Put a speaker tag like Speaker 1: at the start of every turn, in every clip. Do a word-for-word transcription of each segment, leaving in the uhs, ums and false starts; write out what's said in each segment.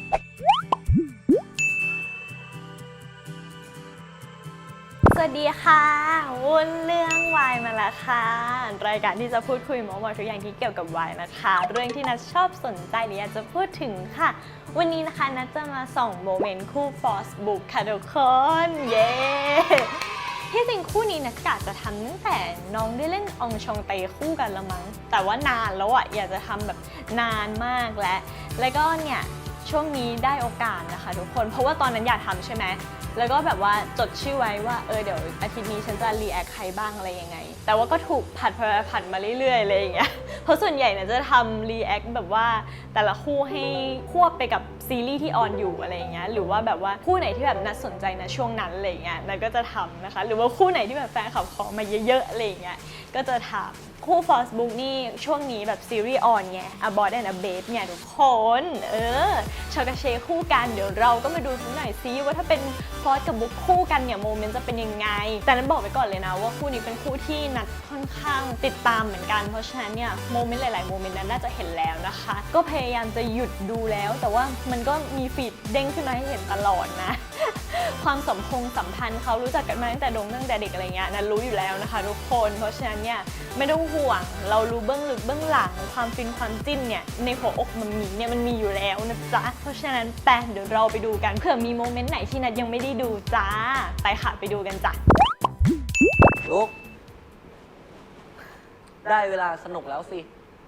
Speaker 1: สวัสดีค่ะวุ่นเรื่องวายมาแล้วค่ะรายการที่จะพูดคุยเมาท์มอยทุกอย่างที่เกี่ยวกับวายนะคะเรื่องที่นัทชอบสนใจหรืออยากจะพูดถึงค่ะวันนี้นะคะนัทจะมาส่องโมเมนต์คู่ฟอสบุ๊กค่ะทุกคนเย้ที่จริงคู่นี้นัทกะจะทำตั้งแต่น้องได้เล่นอองชองเตคู่กันละมั้งแต่ว่านานแล้วอ่ะอยากจะทำแบบนานมากแล้วแล้วก็เนี่ยช่วงนี้ได้โอกาสนะคะทุกคนเพราะว่าตอนนั้นอยากทำใช่ไหมแล้วก็แบบว่าจดชื่อไว้ว่าเออเดี๋ยวอาทิตย์นี้ฉันจะรีแอคใครบ้างอะไรยังไงแต่ว่าก็ถูกผัดผัดมาเรื่อยๆอะไรอย่างเงี้ยเพราะส่วนใหญ่เนี่ยจะทำรีแอคแบบว่าแต่ละคู่ให้ควบไปกับซีรีส์ที่ออนอยู่อะไรอย่างเงี้ยหรือว่าแบบว่าคู่ไหนที่แบบน่าสนใจนะช่วงนั้นอะไรอย่างเงี้ยนั่นก็จะทำนะคะหรือว่าคู่ไหนที่แบบแฟนคลับขอมาเยอะๆอะไรอย่างเงี้ยก็จะทำคู่ฟอสบุ๊กนี่ช่วงนี้แบบซีรีส์ออนไง A Boy and a Babe เนี่ยทุกคนเออชอกาเชคู่กันเดี๋ยวเราก็มาดูสักหน่อยซิว่าถ้าเป็นฟอสกับบุ๊กคู่กันเนี่ยโมเมนต์จะเป็นยังไงแต่นั้นบอกไว้ก่อนเลยนะว่าคู่นี้เป็นคู่ที่นัดค่อนข้างติดตามเหมือนกันเพราะฉะนั้นเนี่ยโมเมนต์หลายๆโมเมนต์นั้นน่าจะเห็นแล้วนะคะก็พยายามจะหยุดดูแล้วแต่ว่ามันก็มีฟีดเด้งขึ้นมาให้เห็นตลอดนะความสัมพงสัมพันธ์เขารู้จักกันมาตั้งแต่ดงตั้งแต่เด็กอะไรเงี้ยนัทรู้อยู่แล้วนะคะทุกคนเพราะฉะนั้นเนี่ยไม่ต้องห่วงเรารู้เบื้องลึกเบื้องหลังความฟินความจิ้นเนี่ยในหัวอกมันมีเนี่ยมันมีอยู่แล้วนะจ๊ะเพราะฉะนั้นแปเดี๋ยวเราไปดูกันเผื่อมีโมเมนต์ไหนที่นัทยังไม่ได้ดูจ้าไปค่ะไปดูกันจ้ะ
Speaker 2: ลุกได้เวลาสนุกแล้วสิ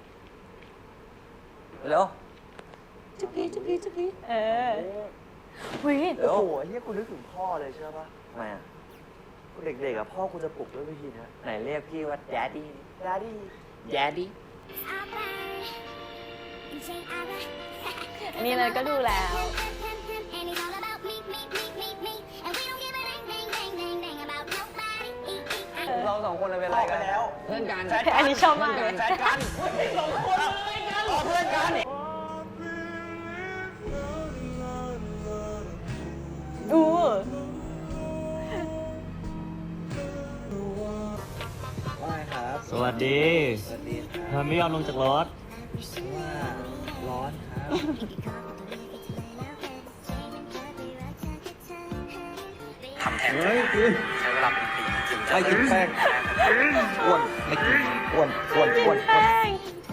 Speaker 2: เร็วจุ๊บกี้จุ๊บกี้จุ๊บกี้
Speaker 1: เออวิ
Speaker 2: โอ้
Speaker 3: โอ้โหเฮียกูนึกถึงพ่อเลยใช่ปะ
Speaker 2: ทำไมอ่ะ
Speaker 3: กูเด็กๆอะพ่อกูจะปลุกด้วยวิธีนี้
Speaker 2: ไหนเรียกพี่ว่าแดดดี้
Speaker 3: ดาดี้
Speaker 2: แดดดี้
Speaker 1: อันนี้เลยก็ดูแล้ว
Speaker 2: เราสองคนเป็นอะไรกันแล้วเพื่อนกัน
Speaker 1: อันนี้ชอบมากเลย
Speaker 2: แฟนกันสองคนเพื่อนกัน
Speaker 1: ดู
Speaker 3: ว่าครับ
Speaker 4: สวัสดี
Speaker 3: สวัสดีค
Speaker 4: เธ
Speaker 3: รับ
Speaker 4: อไม่ยอมลงจากรถ
Speaker 3: ว่าร้อนครับ
Speaker 2: ทำแทน
Speaker 4: เฮ้ยคือ
Speaker 2: ใช้เวลาเป็นปีจริง
Speaker 3: ไม่กินแป้งอ้วนไม่กินอ้วนอ้วนอ้วนอ้วน
Speaker 1: แป้ง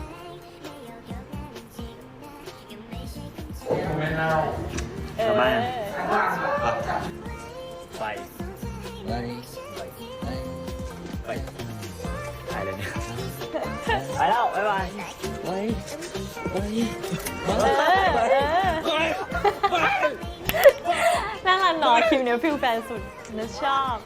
Speaker 3: ไม่เน่า
Speaker 1: เออ
Speaker 4: ทำไม
Speaker 3: ไปไปไปไป
Speaker 4: ตายเลยเนี่ย ไปแล้ว บ๊ายบาย
Speaker 3: ไปไป
Speaker 1: เออเออน่ารักเนาะคลิปเนี้ยฟิลแฟนสุดนะชอบ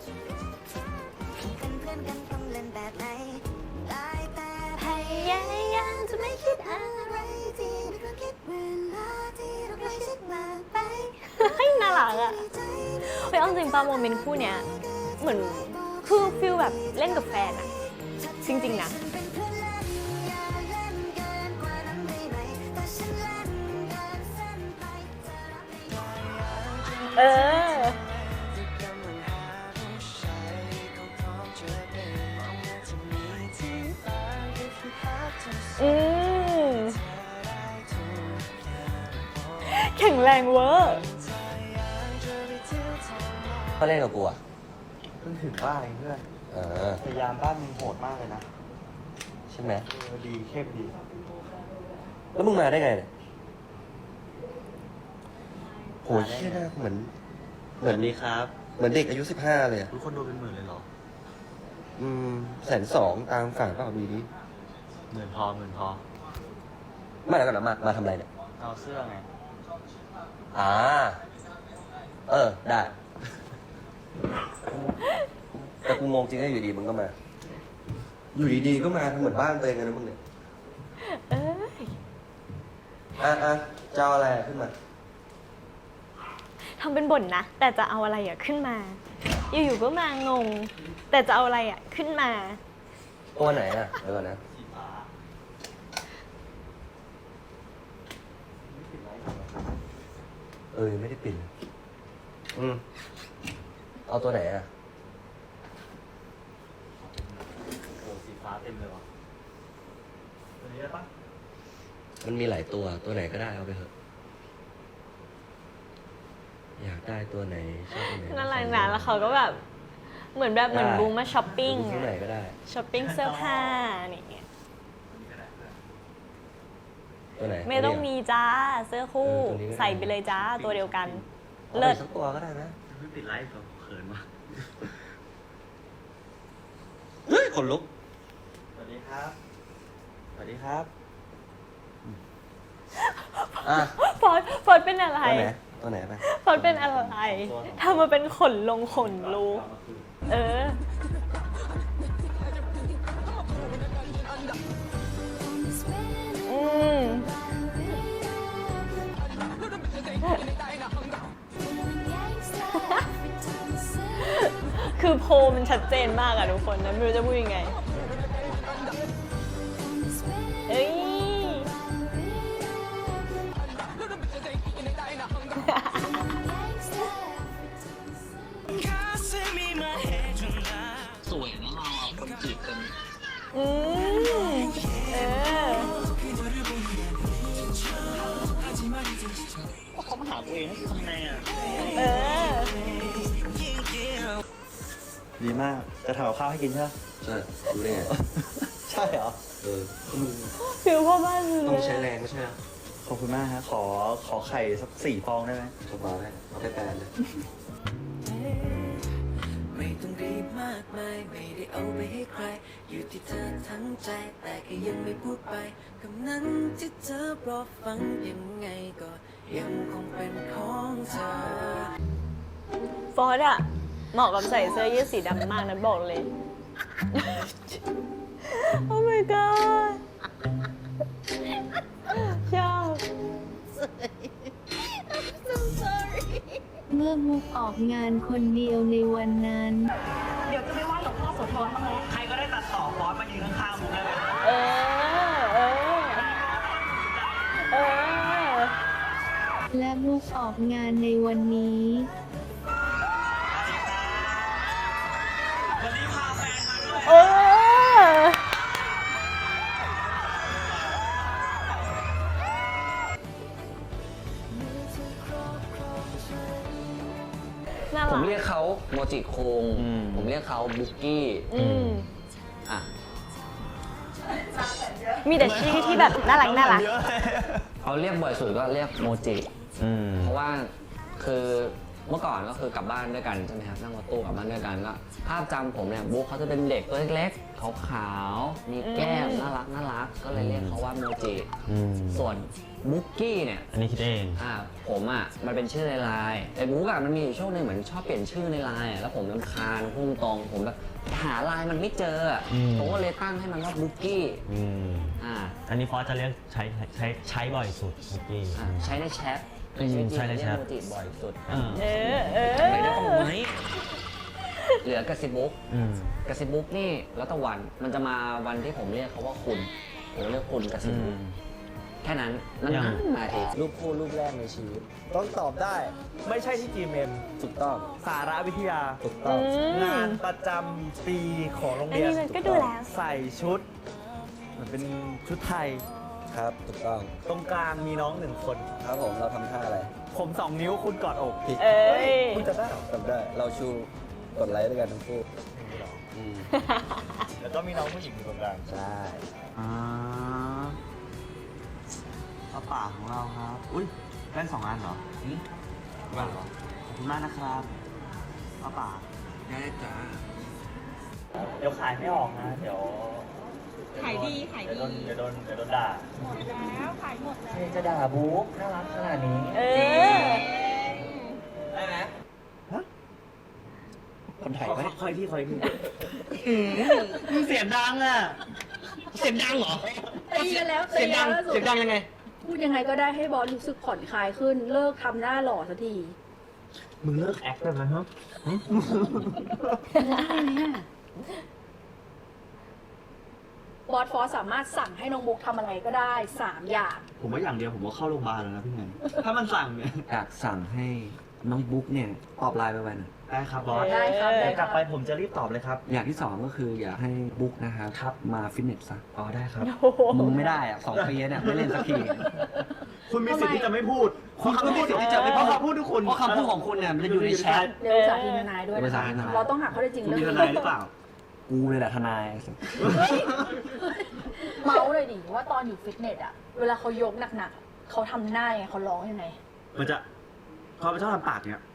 Speaker 1: พยายามจะไม่คิดอะไรที่ก็คิดเวลาที่เราใกล้ชิดมากไปเฮ้ยน่ารักอ่ะเฮ้ยเอาจริงป่ะโมเมนต์คู่เนี้ยเหมือนคือฟิลแบบเล่นกับแฟนอะจริงๆนะเอออืมแข็งแรงเวอร์
Speaker 2: เขาเล่นกับกูอ่ะ
Speaker 3: เพิ่งถึงบ้านเองเพื่อน
Speaker 2: เออ
Speaker 3: พยายามบ้านมึงโหดมากเลยนะ
Speaker 2: ใช่ไหม
Speaker 3: เออดีเข้มดี
Speaker 2: แล้วมึงมาได้ไงเนี่ยโหเชี่ยนะเหมือนเหมือน
Speaker 4: ดีครับ
Speaker 2: เหมือนเด็กอายุสิบห้าเลยอะ
Speaker 3: ทุกคนดูเป็นหมื่นเลยเหรอ
Speaker 2: อืมแสนสองตามฝั่งเปล่าดูดิ
Speaker 4: หมื่นพอหมื่นพอ
Speaker 2: มาแล้วกันนะมามาทำอะไรเนี่ย
Speaker 4: เอาเสื้อไง
Speaker 2: อ่าเออได้แต่กูงงจริงนะอยู่ดีมึงก็มา อยู่ดีๆก็มาทำเหมือนบ้านตัวเองเลยนะมึงเนี่ย
Speaker 1: เอ้ย
Speaker 2: อ่ะอ่ะจะเอาอะไรขึ้นมา
Speaker 1: ทำเป็นบ่นนะ แต่จะเอาอะไรอะขึ้นมา อยู่ๆก็มางง แต่จะเอาอะไรอะขึ้นมา
Speaker 2: ตัวไหนอ่ะเดี๋ยวก่อนนะเออไม่ได้ปิดอืมเอาตัวไหนอ่ะ
Speaker 4: โอ้สีฟ้าเต็มเลยวะตัวนี้ได้ปะ
Speaker 2: มันมีหลายตัวตัวไหนก็ได้เอาไปเถอะอยากได้ตัวไหนชอบตัวไหน
Speaker 1: น่ารักนะแล้วเขาก็แบบเหมือนแบบเหมือนบูมมาช้อปปิ้ง
Speaker 2: ดูที่ไหนก็ได้
Speaker 1: ช้อปปิ้งเสื้อผ้านี่
Speaker 2: ตัวไหน
Speaker 1: ไม่ต้องมีจ้าเสื้อคู่
Speaker 2: เออตัวนี้ก็ได้
Speaker 1: ใส่ไปเลยจ้าตัวเดียวกัน
Speaker 2: เอา
Speaker 1: เลิ
Speaker 2: ไป
Speaker 1: ศ
Speaker 2: สักตัวก็ได้นะ
Speaker 4: ไม่ปิดไลฟ์ผมเขินมาก
Speaker 2: เฮ้ยขนลุก
Speaker 4: สวัสดีครับ สวัสดีครับ
Speaker 2: อ่ะ
Speaker 1: ฟอร์ดฟอร์ดเป็นอะไร
Speaker 2: ตัวไหนตัวไหนไป
Speaker 1: ฟอร์ดเป็นอะไรทำมาเป็นขนลงขนรูเออ อืม คือโพลมันชัดเจนมากอะทุกคนนะไม่รู้จะพูดยังไง เอ้ย
Speaker 4: สวยนะเราคนจีบกัน
Speaker 1: อืม เออ
Speaker 4: เขามาหาตัวเองทำไงอ่ะ
Speaker 1: เออ
Speaker 3: ดีมาก จะทำกับข้าวให้กินใช่ไหม
Speaker 2: ใช่ดูได้ไง
Speaker 3: ใช่เหรอ
Speaker 2: เออก็มึง
Speaker 1: ฟิลพ่อบ้านเลย
Speaker 2: ต้องใช้แรงไม่ใช่เหรอ
Speaker 3: ขอบคุณมากฮะ ขอขอไข่สักสี่ฟองได้ไหม
Speaker 2: สบายเอาไปแปลนเลย
Speaker 5: ไม่ต้องรีบมากมายไม่ได้เอาไปให้ใคร อยู่ที่เธอทั้งใจ แต่ก็ยังไม่พูดไปคำนั้นที่เธอรอฟังยังไงก็ยังคงเป็นของเธอ
Speaker 1: ฟอร์ดอะเหมาะกับใส่เสื้อยืดสีดำมากนะบอกเลย โอ้ my god ชอบ
Speaker 6: เมื่อมุกออกงานคนเดียวในวันนั้น
Speaker 7: เดี๋ยวจะไม่ว่าหลวงพ่อโสธรบ้างไหม
Speaker 4: ใครก็ได้ตัดต่อฟอนต์มายืนข้างๆผมได้ไหม
Speaker 1: เออ เออ เออ
Speaker 6: และมุกออกงานในวันนี้
Speaker 4: วันนี้พาแฟนมาด้วย
Speaker 1: เออ น่า
Speaker 8: ผ
Speaker 1: รั
Speaker 8: ม
Speaker 1: ก
Speaker 8: เรียกเขาโมจิคุง
Speaker 3: อืม
Speaker 8: ผมเรียกเขาบุกกี้
Speaker 1: อืม
Speaker 8: อ่ะ
Speaker 1: มีแต่ชื่อที่แบบน่ารักน่ารัก
Speaker 8: เขาเรียกบ่อยสุดก็เรียกโมจิ
Speaker 3: อืม
Speaker 8: เพราะว่าคือเมื่อก่อนก็คือกลับบ้านด้วยกันใช่ไหมครับนั่งรถตู้กลับบ้านด้วยกันก็ภาพจำผมเนี่ยบุ๊กเขาจะเป็นเด็กตัวเล็กๆขาวๆมีแก้ม
Speaker 1: อืม
Speaker 8: น่ารักน่ารักก็เลยเรียกเขาว่าโมจิ
Speaker 3: อืม
Speaker 8: ส่วนบุกกี้เนี่ย
Speaker 3: อันนี้คิดเอง
Speaker 8: อ่าผมอ่ะมันเป็นชื่อในไลน์แต่บุ๊กอ่ะมันมีอยู่ช่วงหนึงเหมือนชอบเปลี่ยนชื่อในไลน์อ่ะแล้วผมรำคาญพุ่งตรงผมแบบหาไลน์มันไม่เจออ่ะ
Speaker 3: อืม
Speaker 8: ผมก็เลยตั้งให้มันว่าบุกกี้
Speaker 3: อืม
Speaker 8: อ่า
Speaker 9: อันนี้ฟอสจะเรียกใช้ใช้ใช้บ่อยสุดเมื่อกี้
Speaker 8: อ่าใช้ในแชทใน
Speaker 9: อืม
Speaker 8: ชีวิตจริง
Speaker 9: ใช้ใน
Speaker 8: เรีย
Speaker 9: แช
Speaker 8: ก
Speaker 9: ท
Speaker 8: โมจิบ่อยสุด
Speaker 9: เออ
Speaker 1: เออ เออ
Speaker 8: ไม่ได้ต้องไหมเหลือกระซิบบุ๊ก
Speaker 9: อืม
Speaker 8: กระซิบบุ๊กนี่แล้วแต่วันมันจะมาวันที่ผมเรียกเขาว่าคุณผมเรียกคุณกระซิบบุ๊กแค่นั้นนั่น
Speaker 9: ยัง
Speaker 8: มาทีรูปคู่รูปแรกในชีวิต
Speaker 3: ต้องตอบได้ ไม่ใช่ที่ จี เอ็ม
Speaker 2: ถูกต้อง
Speaker 3: สาระวิทยา
Speaker 2: ถูกต้อง
Speaker 1: อืม
Speaker 3: งานประจำปีของโรง
Speaker 1: อัน
Speaker 3: เรียน
Speaker 1: นี้มันก็ดูแล้ว
Speaker 3: ใส่ชุดเหมือนเป็นชุดไทย
Speaker 2: ครับถูกต้อง
Speaker 3: ตรงกลางมีน้องหนึ่งคน
Speaker 2: ครับผมเราทำท่าอะไร
Speaker 3: ผมสองนิ้วคุณกอดอก
Speaker 2: ผิด
Speaker 1: เอ้ย
Speaker 3: คุณจะได้เหรอ
Speaker 2: จำได้เราชูกดไลค์ด้วยกันทั้งคู่อืม
Speaker 3: แล้วก็มีน้องผู้หญิงอยู่ตรงกลาง
Speaker 2: ใช่
Speaker 3: อ่าป้าป่าของเราครับ อุ้ยแว่นสองอันเหรอแว่นเหรอขอบคุณมากนะครับป้าป่า
Speaker 8: ได้จ้า
Speaker 3: เดี๋ยวขายไม่ออกนะ เดี๋ยว
Speaker 7: ขายดี ขาย
Speaker 3: เดี๋ยว
Speaker 7: ดี
Speaker 3: โดนเดี๋ยวโดนเดี๋ยวโดนด่า
Speaker 7: หมดแล้ว ขายหมดแล้ว
Speaker 8: จะด่าบุ๊กน่ารักขนาดนี้
Speaker 1: เออ
Speaker 8: ได้ไหม
Speaker 3: คนไทยไหม
Speaker 4: คอยที่คอยที่
Speaker 3: มึงเสียงดังอ่ะ
Speaker 4: เสียงดังเหรอ
Speaker 7: ตีกันแล้ว
Speaker 4: เสียงดัง เสียงดังยังไง
Speaker 7: พูดยังไงก็ได้ให้บอสรู้สึกผ่อนคลายขึ้น เลิกทำหน้าหล่อสักที
Speaker 3: มึงเลิกแอคได้ไหมฮะ
Speaker 7: บอสฟอสสามารถสั่งให้น้องบุ๊กทำอะไรก็ได้สามอย่าง
Speaker 3: ผมว่าอย่างเดียวผมว่าเข้าโรงพยาบาลแล้วนะพี่แมนถ้ามันสั่งเนี่ย
Speaker 8: อยากสั่งให้น้องบุ๊กเนี่ยตอบไลน์ไปวัน
Speaker 3: ได้ครับบอส
Speaker 7: ได้ครับได้
Speaker 3: เดี๋ยว
Speaker 7: ค
Speaker 3: ก
Speaker 7: รั
Speaker 3: ลั
Speaker 7: บ
Speaker 3: บไปผมจะรีบตอบเลยครับ
Speaker 8: อย่างที่สองก็คืออยากให้บุ๊กนะครับ มาฟิตเนสซะ
Speaker 3: อ๋อได้ครับ
Speaker 1: โอ้โห
Speaker 8: มึงไม่ได้อะสองปีเนี่ยไม่เล่นสักที
Speaker 4: คุณมีสิทธิ์ที่จะไม่พูด
Speaker 8: คุณก็มีสิทธิ์ที่จะไม่พูด
Speaker 4: เพราะคำพูดทุกคน
Speaker 8: เพราะคำพูดของคุณเนี่ยมันจะอยู่ในแชท
Speaker 7: เดี๋ยวสาธิตทนายด้วย
Speaker 8: เดี๋ยว
Speaker 7: นะ
Speaker 8: สาธิตทนาย
Speaker 7: เราต้องหาข้อเท็จจริง
Speaker 4: คุณ
Speaker 7: เรื่อง
Speaker 4: มีท
Speaker 7: นี้
Speaker 4: นายหรือเปล่า
Speaker 8: กูเลยแหละทนาย
Speaker 7: เมาส์เลยดิว่าตอนอยู่ฟิตเนสอะเวลาเขายกหนักๆเขาทำหน้ายังไงเขาร้องยังไง
Speaker 4: มันจะเขาชอบทำปากเนี่ย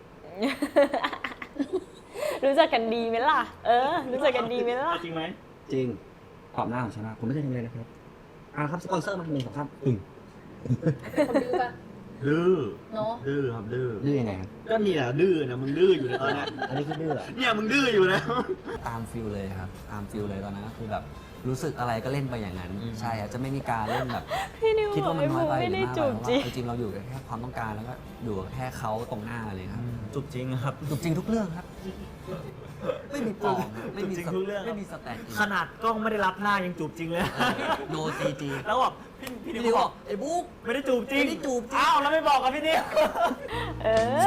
Speaker 1: รู้จักกันดีไหมล่ะ เออ รู้จักกันดีไหมล่ะ
Speaker 4: จริงไหม
Speaker 8: จริงขอบหน้าของชนะผมไม่เคยทำเลยนะครับอ่าครับสปอนเซอร์มันหนึ่งสองสามอึ่ง
Speaker 7: คนดื้อปะ
Speaker 4: ดื้อ
Speaker 7: เนาะ
Speaker 4: ดื้อครับดื้อ
Speaker 8: ดื้อยังไงครับ
Speaker 4: ก็นี่แหละดื้อนะมึงดื้ออยู่ในตอนเนี้ย
Speaker 8: อันนี้คือดื้อเหรอ
Speaker 4: เนี่ยมึงดื้ออยู่นะ
Speaker 8: ตามฟิลเลยครับตามฟิลเลยตอนนั้นก็คือแบบรู้สึกอะไรก็เล่นไปอย่างนั้น ใช่ครับจะไม่มีการเล่นแบบ
Speaker 1: พี่นิว
Speaker 8: คิด
Speaker 1: บอ
Speaker 8: ว่าก มัน
Speaker 1: ไอ้
Speaker 8: น้อ
Speaker 1: ภู
Speaker 8: ยไป
Speaker 1: ไม่
Speaker 8: หรือ
Speaker 1: ได้
Speaker 8: มาก
Speaker 1: จู
Speaker 8: ไป
Speaker 1: บ
Speaker 8: เพราะ
Speaker 1: จริง
Speaker 8: ว่าจริงๆเราอยู่กับแค่ความต้องการแล้วก็อยู่กับแค่เขาตรงหน้าเลยครับ
Speaker 4: จุบจริงครับ
Speaker 8: จูบจริงทุกเรื่องครับ ไม่มีปลอมครับไม่มี
Speaker 4: จูบจริง
Speaker 8: ส
Speaker 4: ทุกเรื่อง
Speaker 8: ไม่มีสแตนด์อิน
Speaker 4: ขนาดกล้องไม่ได้รับหน้ายังจูบจริงเลย
Speaker 8: โนซีจี
Speaker 4: แล้วบอกพี่พี่
Speaker 8: พี่
Speaker 4: นิ
Speaker 8: นิ
Speaker 4: ว
Speaker 8: ว
Speaker 4: บบ อ
Speaker 8: อก กไอ้บุ๊ก
Speaker 4: ไม่ได้จูบจริง
Speaker 8: ไม่ได้จูบจริง
Speaker 4: อ้าวแล้วไม่บอกกับพี่นิว
Speaker 1: เออ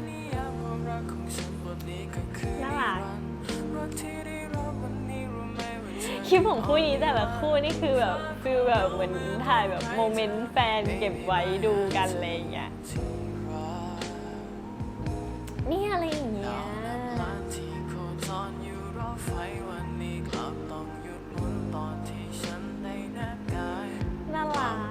Speaker 1: น่ารัก คลิปของคู่นี้แต่ละคู่นี่คือแบบฟิลแบบเหมือนถ่ายแบบโมเมนต์แฟนเก็บไว้ดูกันอะไรอย่างเงี้ย นี่อะไรอย่างเงี้ย น่ารัก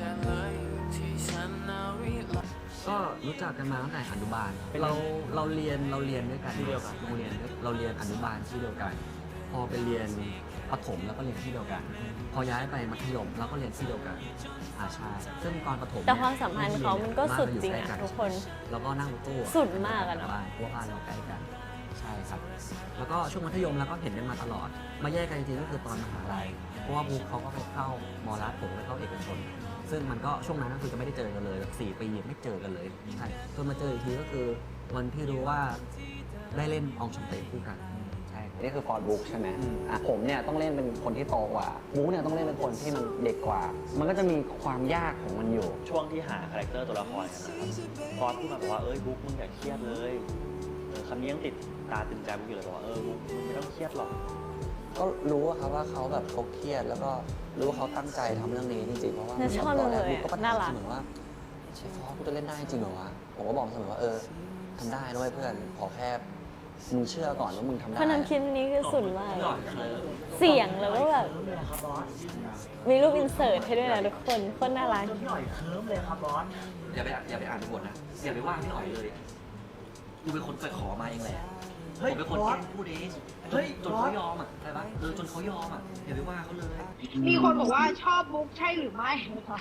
Speaker 8: ก็รู้จักกันมาตั้งแต่อนุบาลเราเราเรียนเราเรียนด้วยกัน
Speaker 4: ที่เดียวกัน
Speaker 8: โรงเรียนเราเรียนอนุบาลที่เดียวกัน พอไปเรียนประถมแล้วก็เรียนที่เดียวกัน พอย้ายไปมัธยมเราก็เรียนที่เดียวกันอาชาซึ่งตอนประถม
Speaker 1: แต่ความสัมพันธ์เขามันก็สุดจริงอะ
Speaker 8: บ้าเายู่ใกล้
Speaker 1: ทุกคน
Speaker 8: แล้วก็นั่งรถตู้
Speaker 1: สุดมากอะเนอะ
Speaker 8: บ้านเพราะว่าบ้านเราใกล้กันใช่ครับ แล้วก็ช่วงมัธยมเราก็เห็นกันมาตลอด มาแยกกันจริงๆก็คือตอนมหาลัยเพราะว่าบุ๊คเขาก็ไปเข้ามอรัฐผมไปเข้าเอกชน ซึ่งมันก็ช่วงนั้นก็คือจะไม่ได้เจอกันเลยแบบสี่ปีไม่เจอกันเลยใช่จนมาเจออีกทีก็คือวันที่รู้ว่าได้เล่นอองชองเตคู่กันใช่นี่คือฟอร์ดบุ๊กใช่ไหมอ่ะผมเนี่ยต้องเล่นเป็นคนที่โตกว่าบุ๊กเนี่ยต้องเล่นเป็นคนที่มันเด็กกว่า มันก็จะมีความยากของมันอยู่
Speaker 9: ช่วงที่หาคาแรคเตอร์ตัวละครกันนะครับฟอสพูดมาบอกว่าเอ้ยบุ๊กมึงอย่าเครียดเลยเออคำนี้ยังติดตาตึงใจบุ๊กอยู่เลยบอกว่าเออบุ๊กมึงไม่ต้องเครียดหรอก
Speaker 8: ก็รู้อะครับว่าเขาแบบเขาเครียดแล้วก็รู้ว่าเขาตั้งใจทำเรื่องนี้จริงๆเพราะว่า
Speaker 1: น่าชอบ
Speaker 8: ตอนแรก
Speaker 1: เลย
Speaker 8: บุ๊กก็ประทั
Speaker 1: น่า
Speaker 8: บ
Speaker 1: รัก
Speaker 8: เสมอว่าเชฟฟอสกูจะเล่นได้จริงเหรอวะผมก็บอกเสมอว่าเออทำได้ด้วยเพื่อนขอแค่มึงเชื่อก่อนว่ามึงทำได้
Speaker 1: เพราะน้ำคลิปนี้คือสุดมาก เสียงแล้วก็แบบ มีรูปอินเสิร์ตให้ด้วยนะทุกคนโคตรน่ารัก
Speaker 8: อย่าไปอย่าไปอ่านบทนะอย่าไปว่าพี่หน่อยเลยกูเป็นคนไปขอมาเองแหละผมเป็นคนแกล้งพูดเองเฮ้ยจนเขายอมอ่ะใช่ปะเออจนเขายอมอ่ะอย่าไปว่าเขาเลย
Speaker 10: มีคนบอกว่าชอบบุ๊กใช่หรือไม่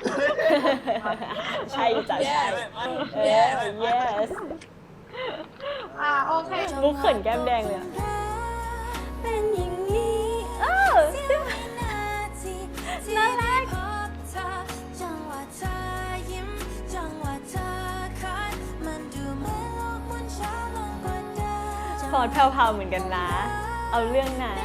Speaker 1: ใช่จ้ะใช่เออ yes
Speaker 10: อ่าโอเค
Speaker 1: บุ๊กเขินแก้มแดงเลยอะเป็นอย่างนี้เออน่ารักฟอร์ดแผ่วๆเหมือนกันนะ เอาเรื่องนะ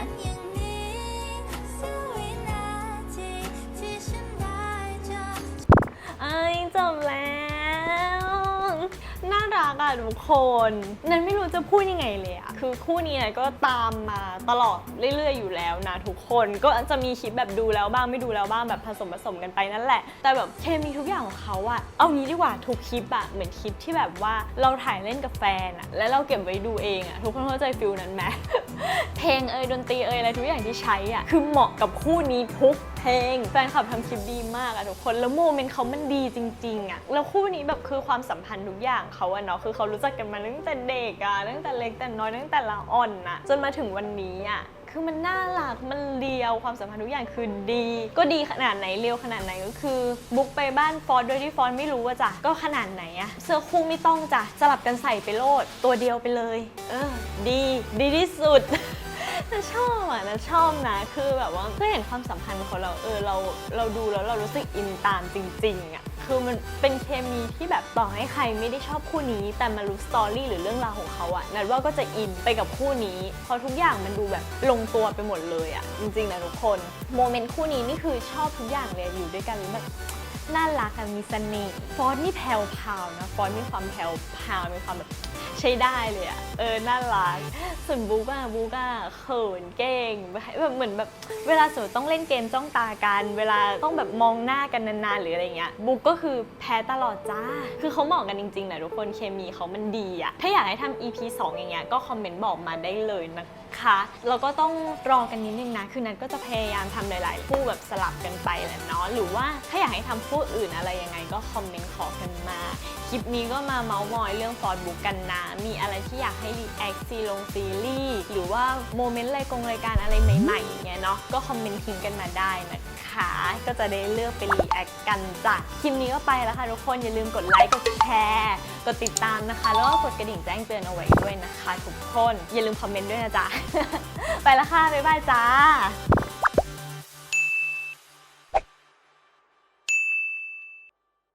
Speaker 1: ไอ้ยจบแล้ว น่ารักอะทุกคนนั้นไม่รู้จะพูดยังไงเลยอะคือคู่นี้เนี่ยก็ตามมาตลอดเรื่อยๆอยู่แล้วนะทุกคนก็จะมีคลิปแบบดูแล้วบ้างไม่ดูแล้วบ้างแบบผสมผสมกันไปนั่นแหละแต่แบบเคมีทุกอย่างของเขาอะเอางี้ดีกว่าทุกคลิปอะเหมือนคลิปที่แบบว่าเราถ่ายเล่นกับแฟนอะแล้วเราเก็บไว้ดูเองอะทุกคนเข้าใจฟิลนั้นไหม เพลงเอยดนตรีเอยอะไรทุกอย่างที่ใช้อะคือเหมาะกับคู่นี้ทุกเพลงแฟนคลับทำคลิปดีมากอะทุกคนแล้วโมเมนต์เขามันดีจริงๆอะแล้วคู่นี้แบบคือความสัมพันธ์ทุกอย่างเขาอะเนาะคือเขารู้จักกันมาตั้งแต่เด็กอะตั้งแต่เล็กแต่น้อยตั้งแต่ละอ่อนอะจนมาถึงวันนี้อะคือมันน่ารักมันเลียวความสัมพันธ์ทุกอย่างคือดี ก็ดีขนาดไหนเลียวขนาดไหนก็คือบุกไปบ้านฟอสโดยที่ฟอสไม่รู้ว่าจ้ะก็ขนาดไหนอะเสื้อคู่ไม่ต้องจ้ะสลับกันใส่ไปโลดตัวเดียวไปเลยเออดีดีที่สุด น่าชอบอ่ะน่าชอบนะคือแบบว่าก็เห็นความสัมพันธ์ของเราเออเราเราดูแล้วเรารู้สึกอินตามจริงๆอ่ะคือมันเป็นเคมีที่แบบต่อให้ใครไม่ได้ชอบคู่นี้แต่มารู้สตอรี่หรือเรื่องราวของเขาอ่ะนัดว่าก็จะอินไปกับคู่นี้เพราะทุกอย่างมันดูแบบลงตัวไปหมดเลยอ่ะจริงๆนะทุกคนโมเมนต์คู่นี้นี่คือชอบทุกอย่างเลยอยู่ด้วยกันแบบน่ารักอะมีเสน่ห์ฟอนต์นี่แผ่วพาวนะฟอนต์มีความแผ่วพาวมีความแบบใช้ได้เลยอะเออน่ารักส่วนบุ๊กอะบุ๊กอะเขินเก่งแบบเหมือนแบบเวลาสมมติต้องเล่นเกมจ้องตากันเวลาต้องแบบมองหน้ากันนานๆหรืออะไรเงี้ยบุ๊กก็คือแพ้ตลอดจ้าคือเขาเหมาะกันจริงๆนะทุกคนเคมีเขามันดีอะถ้าอยากให้ทำ อี พี สองอย่างเงี้ยก็คอมเมนต์บอกมาได้เลยนะคะแล้วก็ต้องรอกันนิดนึงนะคือนัทก็จะพยายามทำหลายๆคู่แบบสลับกันไปแหละเนาะหรือว่าถ้าอยากให้ทำคู่อื่นอะไรยังไงก็คอมเมนต์ขอกันมาคลิปนี้ก็มาเมาส์มอยเรื่องฟอร์ดบุ๊กกันนะมีอะไรที่อยากให้รีแอคซีลงซีรีส์หรือว่าโมเมนต์รายกงรายการอะไรใหม่ๆอย่างเงี้ยเนาะก็คอมเมนต์ทิ้งกันมาได้นะคะก็จะได้เลือกไปรีแอคกันจ้ะคลิปนี้ก็ไปแล้วค่ะทุกคนอย่าลืมกดไลค์กดแชร์กดติดตามนะคะแล้วก็กดกระดิ่งแจ้งเตือนเอาไว้ด้วยนะคะทุกคนอย่าลืมคอมเมนต์ด้วยนะจ๊ะ ไปแล้วค่ะบ๊ายบายจ้า